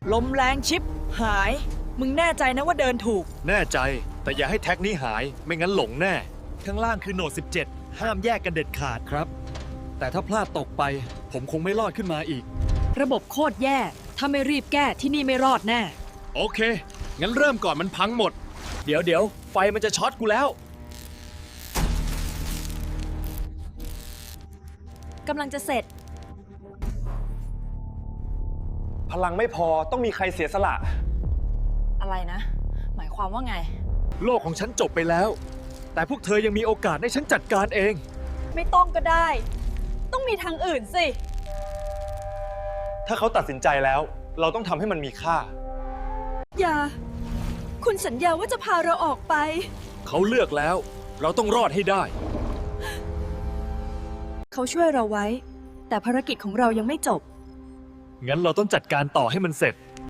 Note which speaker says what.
Speaker 1: ลมแรงชิปหาย มึงแน่ใจนะว่าเดินถูก
Speaker 2: แน่ใจ แต่อย่าให้แท็กนี้หาย ไม่งั้นหลงแน่ ข้างล่างคือโหนด 17 ห้ามแยกกันเด็ดขาดครับ แต่ถ้าพลาดตกไป ผมคงไม่รอดขึ้นมาอีก
Speaker 1: ระบบโคตรแย่ ถ้าไม่รีบแก้ที่นี่ไม่รอดแน่
Speaker 2: โอเค งั้นเริ่มก่อนมันพังหมด เดี๋ยวไฟมันจะช็อตกูแล้ว
Speaker 1: กำลังจะเสร็จ
Speaker 3: พลังไม่พอต้องมีใครเสียสละ
Speaker 1: อะไรนะ หมายความว่าไง
Speaker 2: โลกของฉันจบไปแล้ว แต่พวกเธอยังมีโอกาสให้ฉันจัดการเอง
Speaker 1: ไม่ต้องก็ได้ ต้องมีทางอื่นสิ
Speaker 3: ถ้าเขาตัดสินใจแล้ว เราต้องทำให้มันมีค่า
Speaker 1: อย่า คุณสัญญาว่าจะพาเราออกไป
Speaker 2: เขาเลือกแล้ว เราต้องรอดให้ได้
Speaker 1: เขาช่วยเราไว้ แต่ภารกิจของเรายังไม่จบ
Speaker 2: งั้นเราต้องจัดการต่อให้มันเสร็จ